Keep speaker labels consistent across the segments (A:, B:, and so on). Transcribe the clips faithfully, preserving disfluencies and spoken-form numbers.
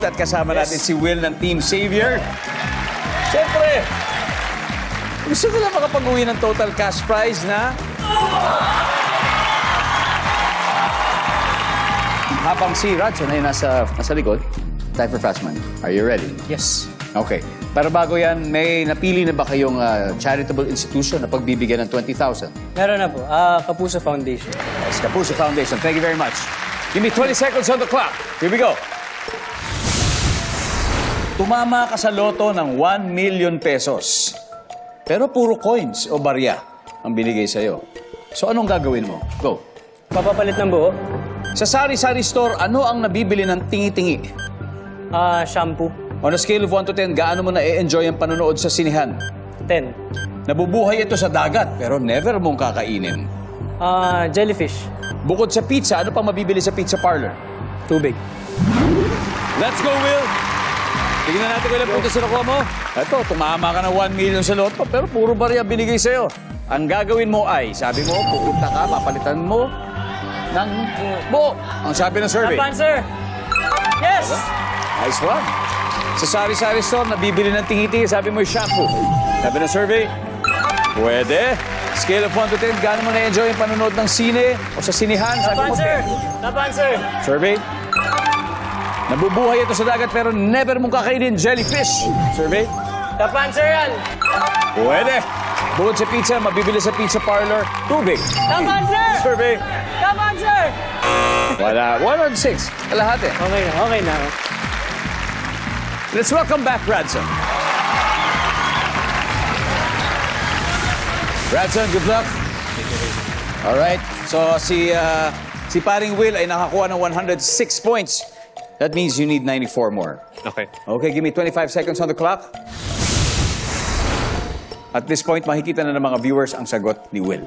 A: At kasama natin si Will ng Team Savior. Siyempre, gusto nila makapag-uwi ng total cash prize na... Habang si Radson ay nasa, nasa likod, time for fast money. Are you ready?
B: Yes.
A: Okay. Pero bago yan, may napili na ba kayong uh, charitable institution na pagbibigyan ng twenty thousand?
B: Meron na po. Ah, Kapuso Foundation.
A: Yes, Kapuso Foundation. Thank you very much. Give me twenty seconds on the clock. Here we go. Tumama ka sa loto ng one million pesos. Pero puro coins o barya ang binigay sa'yo. So anong gagawin mo? Go.
B: Papapalit ng buo.
A: Sa sari-sari store, ano ang nabibili ng tingi-tingi?
B: Ah, shampoo.
A: On a scale of one to ten, gaano mo na-enjoy ang panonood sa sinihan?
B: ten.
A: Nabubuhay ito sa dagat, pero never mong kakainin.
B: Ah, jellyfish.
A: Bukod sa pizza, ano pang mabibili sa pizza parlor?
B: Tubig.
A: Let's go, Will! Tignan natin kung ilang puntos na nakuha mo. Ito, tumama ka ng one million sa loto, pero puro barya binigay sa'yo. Ang gagawin mo ay, sabi mo, pupunta ka, papalitan mo ng buo. Ang sabi ng survey.
B: Top answer! Yes!
A: Nice one. Sa sari-sari store, nabibili ng tingi-tingi, sabi mo yung shampoo. Sabi ng survey, pwede. Scale of one to ten, gaano mo na-enjoy yung panonood ng sine o sa sinihan?
B: Top
A: Sabi mo,
B: answer!
A: ten.
B: Top answer!
A: Survey. Nabubuhay ito sa dagat pero never mong kakainin jellyfish. Survey.
B: Top answer yan!
A: Pwede. Bukod sa pizza, mabibili sa pizza parlor, tubig.
B: Top answer!
A: Survey.
B: Top answer!
A: Wala. One on six. Lahat eh.
B: Okay na, okay na.
A: Let's welcome back Radson. Radson, good luck. All right. So si uh, si paring Will ay nakakuha ng one hundred six points. That means you need ninety-four more.
C: Okay.
A: Okay, give me twenty-five seconds on the clock. At this point, makikita na ng mga viewers ang sagot ni Will.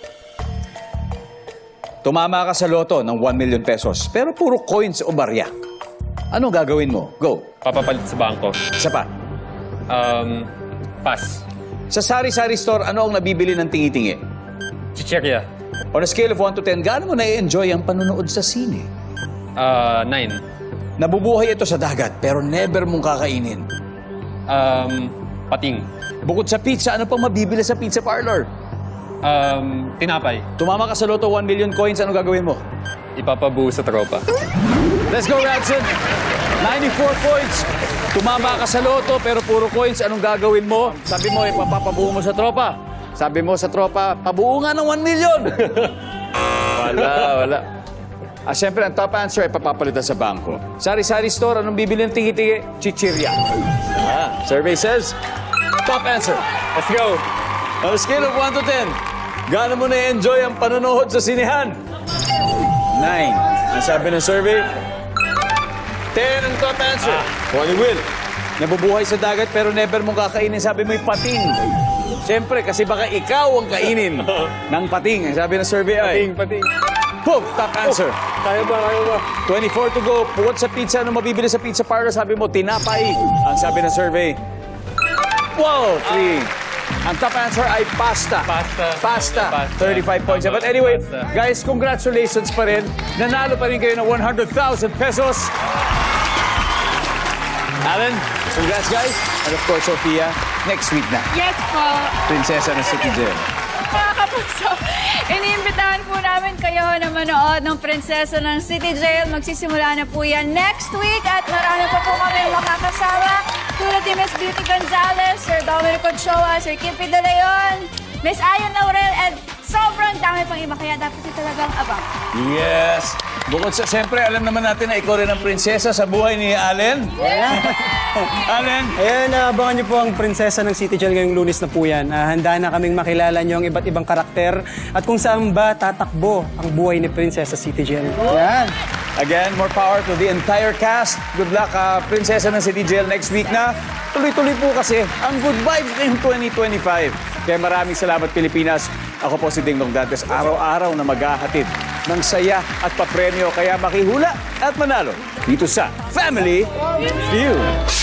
A: Tumama ka sa loto ng one million pesos, pero puro coins o barya. Anong gagawin mo? Go.
C: Papapalit sa bangko.
A: Isa pa.
C: Um, pass.
A: Sa sari-sari store, ano ang nabibili ng tingi-tingi?
C: Chicheria.
A: On a scale of one to ten, gaano mo na-enjoy ang panonood sa sine?
C: Uh, nine.
A: Nabubuhay ito sa dagat, pero never mong kakainin.
C: Um, pating.
A: Bukod sa pizza, ano pang mabibili sa pizza parlor?
C: Um, tinapay.
A: Tumama ka sa loto, one million coins, anong gagawin mo?
C: Ipapabuo sa tropa.
A: Let's go, Radson! ninety-four points. Tumama ka sa loto, pero puro coins, anong gagawin mo? Sabi mo, ipapabuo mo sa tropa. Sabi mo sa tropa, pabuo nga ng one million! Wala, wala. Ah, siyempre, ang top answer ay papapalitan sa bangko. Sari-sari store, anong bibili ng tingi-tingi? Chichirya. Ah, survey says, top answer.
C: Let's go!
A: On a scale of one to ten, gaano mo na-enjoy ang panonood sa sinihan? nine. Ang sabi ng survey? ten ang top answer. Ah. ni Will. Nabubuhay sa dagat pero never mong kakainin. Sabi mo yung pating. Siyempre, kasi baka ikaw ang kainin ng pating. Ang sabi ng survey ay...
C: Pating, pating.
A: Boom! Top answer.
C: Kaya ba, kaya ba?
A: twenty-four to go. Bukod sa pizza, ano mabibili sa pizza parlor? Sabi mo, tinapay. Ang sabi ng survey? Wow! three. Ang top answer ay pasta.
C: Pasta.
A: Pasta.
C: Pasta.
A: thirty-five points. But anyway,
C: Pasta.
A: guys, congratulations pa rin. Nanalo pa rin kayo ng one hundred thousand pesos. Alan, congrats guys. And of course, Sophia, next week na.
D: Yes po.
A: Prinsesa ng City Jail.
D: Mga kapuso, iniimbitahan po namin kayo na manood ng Prinsesa ng City Jail. Magsisimula na po yan next week at marami pa po kami makakasama. Tulad ni Miss Beauty Gonzalez, Sir Dominic Ochoa, Sir Kippy De Leon, Miss Ayon Laurel, and sobrang dami pang iba. Kaya dapat ito talagang abang.
A: Yes. Bukod sa, siyempre, alam naman natin na ikaw rin ang prinsesa sa buhay ni Allen. Allen.
B: Ayan, abangan niyo po ang Prinsesa ng City Jail ngayong Lunes na po yan. Ah, handa na kaming makilala niyo ang iba't ibang karakter at kung saan ba tatakbo ang buhay ni Prinsesa City Jail. Yan.
A: Again, more power to the entire cast. Good luck, uh, Prinsesa ng City Jail next week na. Tuloy-tuloy po kasi ang good vibes ngayong twenty twenty-five. Kaya maraming salamat, Pilipinas. Ako po si Ding Dong Dantes, araw-araw na maghahatid ng saya at papremyo. Kaya makihula at manalo dito sa Family Feud.